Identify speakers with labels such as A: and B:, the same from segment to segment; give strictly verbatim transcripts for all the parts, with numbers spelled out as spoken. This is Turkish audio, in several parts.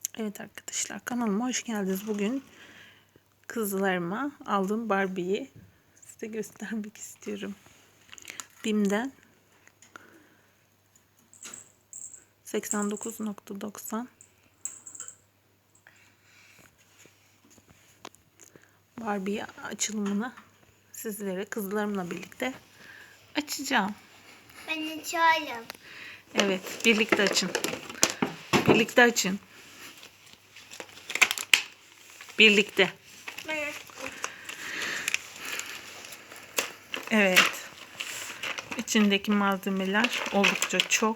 A: Evet arkadaşlar, kanalıma hoş geldiniz. Bugün kızlarıma aldığım Barbie'yi size göstermek istiyorum. Bim'den seksen dokuz nokta doksan Barbie açılımını sizlere kızlarımla birlikte açacağım.
B: Ben açıyorum.
A: Evet, birlikte açın. Birlikte açın. Birlikte. Evet. İçindeki malzemeler oldukça çok.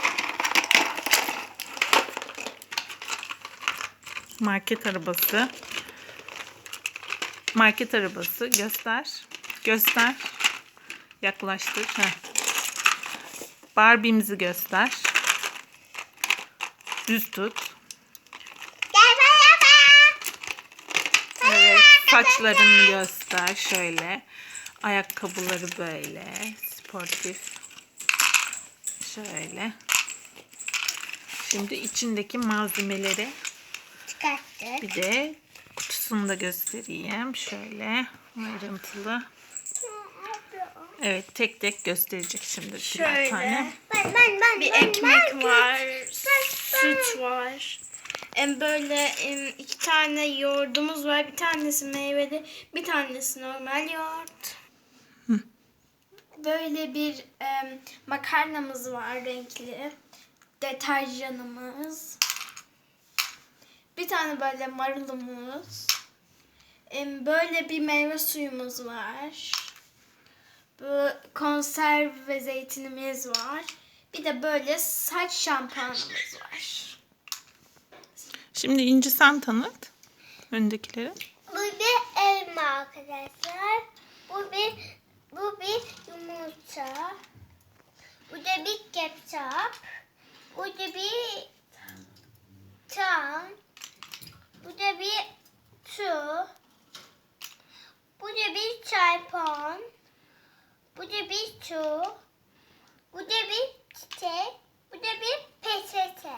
A: Market arabası. Market arabası. Göster. Göster. Yaklaştır. Heh. Barbie'mizi göster. Düz tut.
B: Gel beraber.
A: Evet. Saçlarını göster. Şöyle. Ayakkabıları böyle. Sportif. Şöyle. Şimdi içindeki malzemeleri
B: Çıkarttık.
A: bir de kutusunu da göstereyim. Şöyle ayrıntılı. Evet, tek tek gösterecek şimdi birer
C: Şöyle.
A: tane.
B: Ben ben ben
C: Bir
B: ben,
C: ekmek
B: ben,
C: var,
B: ben,
C: süt var. Em, Böyle em, iki tane yoğurdumuz var. Bir tanesi meyveli, bir tanesi normal yoğurt.
A: Hı.
C: Böyle bir em, makarnamız var renkli. Deterjanımız. Bir tane böyle marulumuz. Em, Böyle bir meyve suyumuz var. Bu konserve zeytinimiz var. Bir de böyle saç şampuanımız var.
A: Şimdi İnci sen tanıt öndekileri.
B: Bu bir elma arkadaşlar. Bu bir bu bir yumurta. Bu da bir ketçap. Bu da bir tam. Bu da bir su. Bu da bir çaypan. Bu da bir su. Bu da bir çiçek. Bu da bir peçete.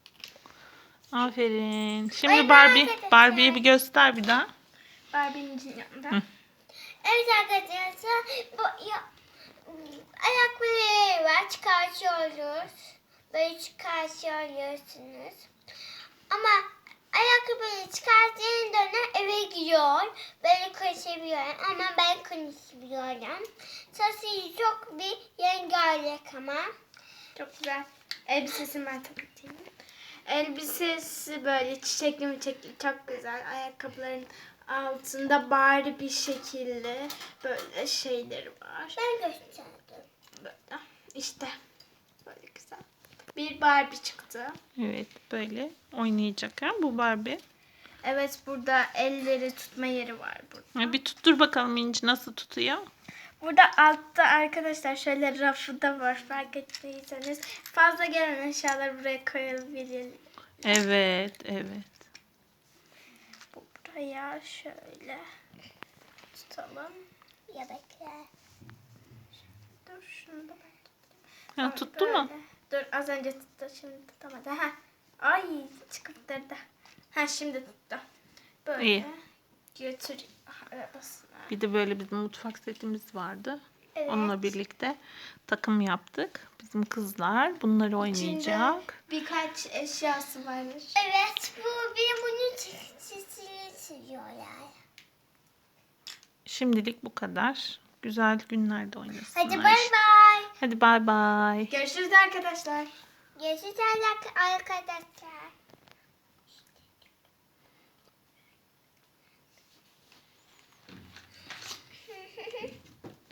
A: Aferin. Şimdi
B: Ay,
A: Barbie,
B: arkadaşlar.
A: Barbie'yi bir göster bir daha.
C: Barbie'nin yanında.
A: Hı.
B: Evet arkadaşlar, bu ya, ayakları var, çıkartıyoruz. Böyle çıkartıyorsunuz. Ama ayakkabıyı çıkarttığında eve gidiyor. Böyle konuşabiliyorum ama ben konuşabiliyorum. Sesi çok bir rengarenk ama.
C: Çok güzel. Elbisesini ben tanıtayım. Elbisesi böyle çiçekli mi çiçekli, çok güzel. Ayakkabıların altında bari bir şekilde böyle şeyleri var.
B: Ben gösterdim.
C: Böyle. İşte böyle güzel. Bir Barbie çıktı.
A: Evet, böyle oynayacak ha bu Barbie.
C: Evet, burada elleri tutma yeri var burada.
A: Ha, bir tuttur bakalım İnci nasıl tutuyor.
C: Burada altta arkadaşlar şöyle rafı da var, fark ettiyseniz. Fazla gelen eşyaları buraya koyabilir.
A: Evet, evet.
C: Buraya şöyle tutalım.
B: Ya bekle.
C: Dur şunu da ben
A: Ha,
C: tutayım.
A: tuttu mu?
C: Böyle. Dur, az önce tuttu, şimdi tutamadı. Ha. Ay, çıkıptırdı. Ha, şimdi tuttu. Böyle
A: İyi.
C: götür arabasına.
A: Bir de böyle bizim mutfak setimiz vardı.
C: Evet.
A: Onunla birlikte takım yaptık. Bizim kızlar bunları oynayacak.
C: İçinde birkaç eşyası varmış.
B: Evet, bu bir bunun çizgisini siliyorlar.
A: Şimdilik bu kadar. Güzel günlerde oynasınlar.
B: Hadi bay bay.
A: Hadi bay bay.
C: Görüşürüz arkadaşlar.
B: Görüşürüz arkadaşlar.